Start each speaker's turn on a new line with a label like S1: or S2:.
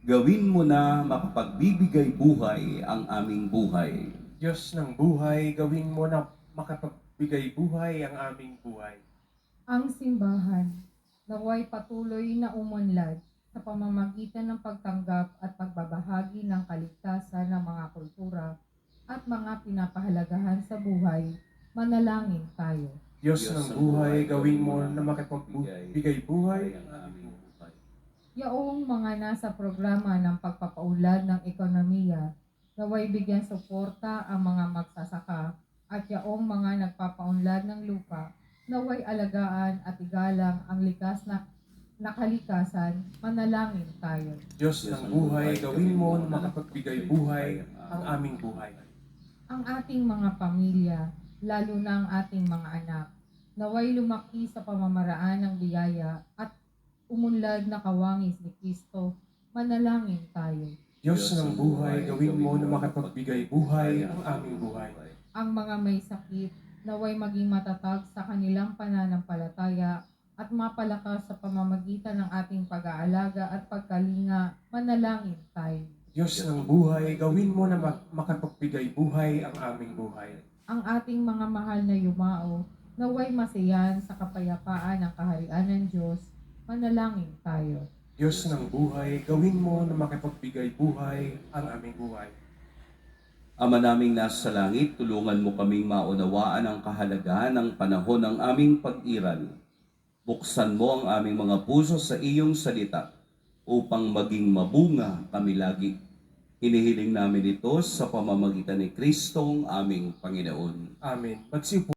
S1: Gawin mo na makapagbibigay buhay ang aming buhay.
S2: Diyos ng buhay, gawin mo na makapagbigay buhay ang aming buhay.
S3: Ang simbahan, naway patuloy na umunlad sa pamamagitan ng pagtanggap at pagbabahagi ng kaligtasan ng mga kultura at mga pinapahalagahan sa buhay. Manalangin tayo.
S2: Diyos ng buhay, gawin mo na makapagbigay buhay ang aming buhay.
S3: Yaong mga nasa programa ng pagpapaunlad ng ekonomiya, naway bigyan suporta ang mga magsasaka at yaong mga nagpapaunlad ng lupa, naway alagaan at igalang ang likas na kalikasan. Manalangin tayo.
S2: Diyos ng buhay, gawin mo na makapagbigay buhay ang aming buhay.
S3: Ang ating mga pamilya, lalo na ang ating mga anak, naway lumaki sa pamamaraan ng biyaya at umunlad na kawangis ni Kristo. Manalangin tayo.
S2: Diyos ng buhay, gawin mo na makapagbigay buhay ang aming buhay.
S3: Ang mga may sakit, naway maging matatag sa kanilang pananampalataya at mapalakas sa pamamagitan ng ating pag-aalaga at pagkalinga. Manalangin tayo.
S2: Diyos ng buhay, gawin mo na makapagbigay buhay ang aming buhay.
S3: Ang ating mga mahal na yumao, naway masiyan sa kapayapaan ng kaharian ng Diyos. Manalangin tayo.
S2: Diyos ng buhay, gawin mo na makapagbigay buhay ang aming buhay.
S1: Ama naming nasa langit, tulungan mo kaming maunawaan ang kahalagahan ng panahon ng aming pag-iral. Buksan mo ang aming mga puso sa iyong salita upang maging mabunga kami lagi. Hinihiling namin ito sa pamamagitan ni Kristong aming Panginoon.
S2: Amen. Magsiupo.